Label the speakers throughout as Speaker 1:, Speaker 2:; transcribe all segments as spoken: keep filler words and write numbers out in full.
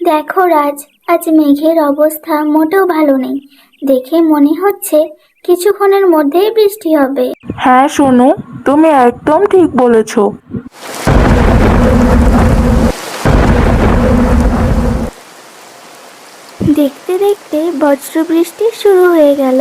Speaker 1: দেখো রাজ, আজ মেঘের অবস্থা মোটেও ভালো নেই। দেখে মনে হচ্ছে কিছুক্ষণের মধ্যেই বৃষ্টি হবে।
Speaker 2: হ্যাঁ সোনু, তুমি একদম ঠিক বলেছো।
Speaker 1: দেখতে দেখতে বজ্রবৃষ্টি শুরু হয়ে গেল।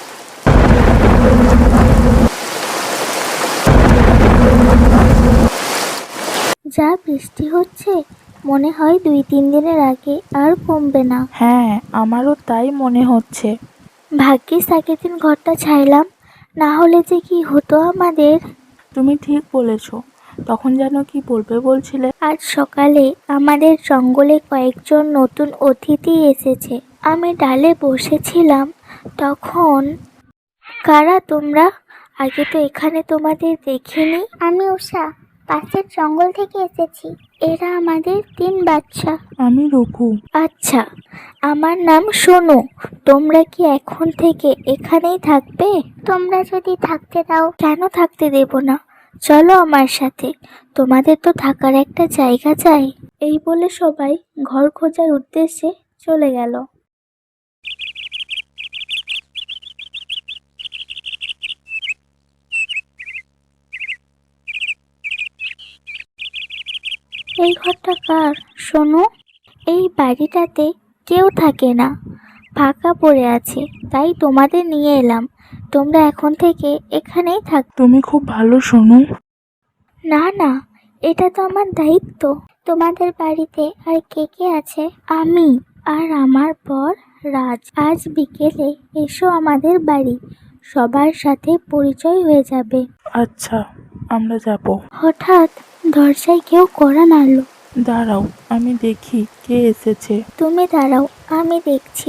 Speaker 1: যা বৃষ্টি হচ্ছে, মনে হয় দুই তিন দিনের আগে আর কমবে না।
Speaker 2: হ্যাঁ, আমারও তাই মনে হচ্ছে।
Speaker 1: ভাগ্যিস আগের দিন ঘরটা ছাইলাম, না হলে যে কি হতো আমাদের।
Speaker 2: তুমি ঠিক বলেছো। তখন যেন কি বলবে বলছিলে?
Speaker 1: আজ সকালে আমাদের জঙ্গলে কয়েকজন নতুন অতিথি এসেছে। আমি ডালে বসেছিলাম তখন। কারা তোমরা? আগে তো এখানে তোমাদের দেখিনি। আমি উষা, পাশের জঙ্গল থেকে এসেছি। এরা আমাদের তিন বাচ্চা।
Speaker 2: আমি রঘু।
Speaker 1: আচ্ছা, আমার নাম সোনু। তোমরা কি এখন থেকে এখানেই থাকবে? তোমরা যদি থাকতে দাও। কেন থাকতে দেব না? চলো আমার সাথে, তোমাদের তো থাকার একটা জায়গা চাই। এই বলে সবাই ঘর খোঁজার উদ্দেশ্যে চলে গেল। এই ঘরটা কার সোনু? এই বাড়িটাতে কেউ থাকে না, ফাঁকা পড়ে আছে, তাই তোমাদের নিয়ে এলাম। তোমরা এখন থেকে এখানেই থাক।
Speaker 2: তুমি খুব ভালো সোনু।
Speaker 1: না না, এটা তো আমার দায়িত্ব। তোমাদের বাড়িতে আর কে কে আছে? আমি আর আমার বর রাজ। আজ বিকেলে এসো আমাদের বাড়ি, সবার সাথে পরিচয় হয়ে যাবে।
Speaker 2: আচ্ছা, আমরা যাব।
Speaker 1: হঠাৎ দরজায় কেউ কড়া নাড়ল।
Speaker 2: দাঁড়াও, আমি দেখি কে এসেছে।
Speaker 1: তুমি দাঁড়াও, আমি দেখছি।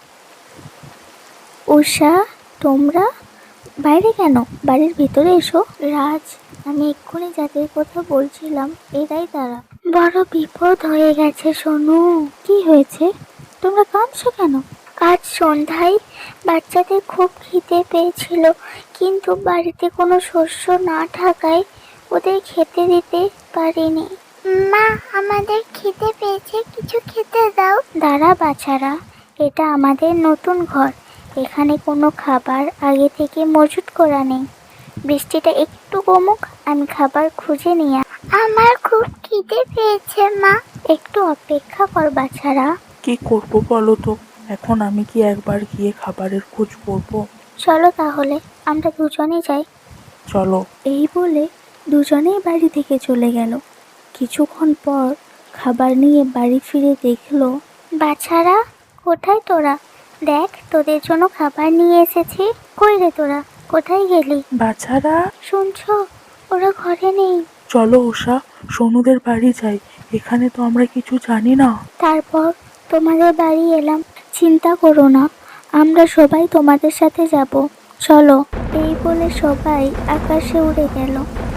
Speaker 1: উষা, তোমরা বাইরে কেন? বাড়ির ভিতরে এসো। রাজ, আমি এক্ষুনি যাদের কথা বলছিলাম এরাই তারা। বড় বিপদ হয়ে গেছে সোনু। কি হয়েছে? তোমরা কাঁদছো কেন? আজ সন্ধ্যায় বাচ্চাদের খুব খিদে পেয়েছিল, কিন্তু বাড়িতে কোনো শস্য না থাকায় ওদের খেতে দিতে পারিনি। মা, আমাদের খিদে পেয়েছে, কিছু খেতে দাও। দাঁড়া বাছারা, এটা আমাদের নতুন ঘর। এখানে কোনো খাবার আগে থেকে মজুত করা নেই। বৃষ্টিটা একটু কমুক, আমি খাবার খুঁজে নিয়ে। আমার খুব খিদে পেয়েছে মা। একটু অপেক্ষা কর বাছারা।
Speaker 2: কি করব বলো তো? এখন আমি কি একবার গিয়ে খাবারের খোঁজ করব?
Speaker 1: চলো তাহলে, আমরা দুজনে যাই।
Speaker 2: চলো।
Speaker 1: এই বলে দুজনেই বাড়ি থেকে চলে গেল। কিছুক্ষণ পর খাবার নিয়ে বাড়ি ফিরে দেখলো। বাছারা, কোথায় তোরা? দেখ, তোদের জন্য খাবার নিয়ে এসেছি। কই রে তোরা, কোথায় গেলি?
Speaker 2: বাছারা,
Speaker 1: শুনছো? ওরা ঘরে নেই।
Speaker 2: চলো উষা, সোনুদের বাড়ি যাই। এখানে তো আমরা কিছু জানি না।
Speaker 1: তারপর তোমাদের বাড়ি এলাম। চিন্তা করো না, আমরা সবাই তোমাদের সাথে যাব। চলো। এই বলে সবাই আকাশে উড়ে গেল।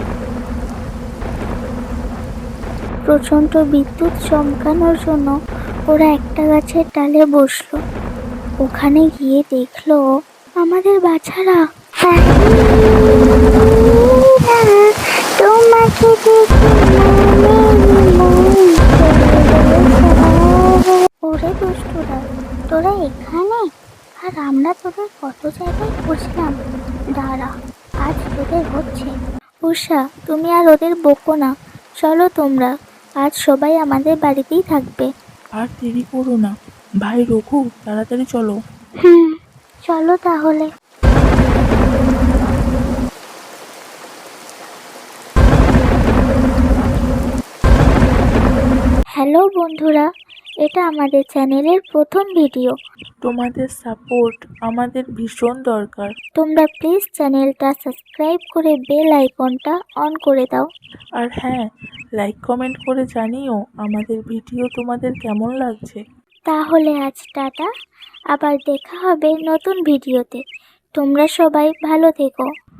Speaker 1: প্রচণ্ড বিদ্যুৎ চমকানোর জন্য ওরা একটা গাছের ডালে বসলো। ওখানে গিয়ে দেখলো আমাদের বাছারা। তোমাকে ওরে দুষ্টুরা, তোরা এখানে? আর আমরা তোদের কত জায়গায় খুঁজলাম। দাঁড়া, আজ তোদের হচ্ছে। উষা, তুমি আর ওদের বকো না। চলো তোমরা, আজ সবাই আমাদের বাড়িতেই থাকবে।
Speaker 2: আর দেরি করো না। ভাই রঘু, তাড়াতাড়ি চলো।
Speaker 1: হুম, চলো তাহলে। হ্যালো বন্ধুরা, এটা আমাদের চ্যানেলের প্রথম ভিডিও।
Speaker 2: তোমাদের সাপোর্ট আমাদের ভীষণ দরকার।
Speaker 1: তোমরা প্লিজ চ্যানেলটা সাবস্ক্রাইব করে বেল আইকনটা অন করে দাও।
Speaker 2: আর হ্যাঁ, লাইক কমেন্ট করে জানিও আমাদের ভিডিও তোমাদের কেমন লাগছে।
Speaker 1: তাহলে আজ টাটা, আবার দেখা হবে নতুন ভিডিওতে। তোমরা সবাই ভালো থেকো।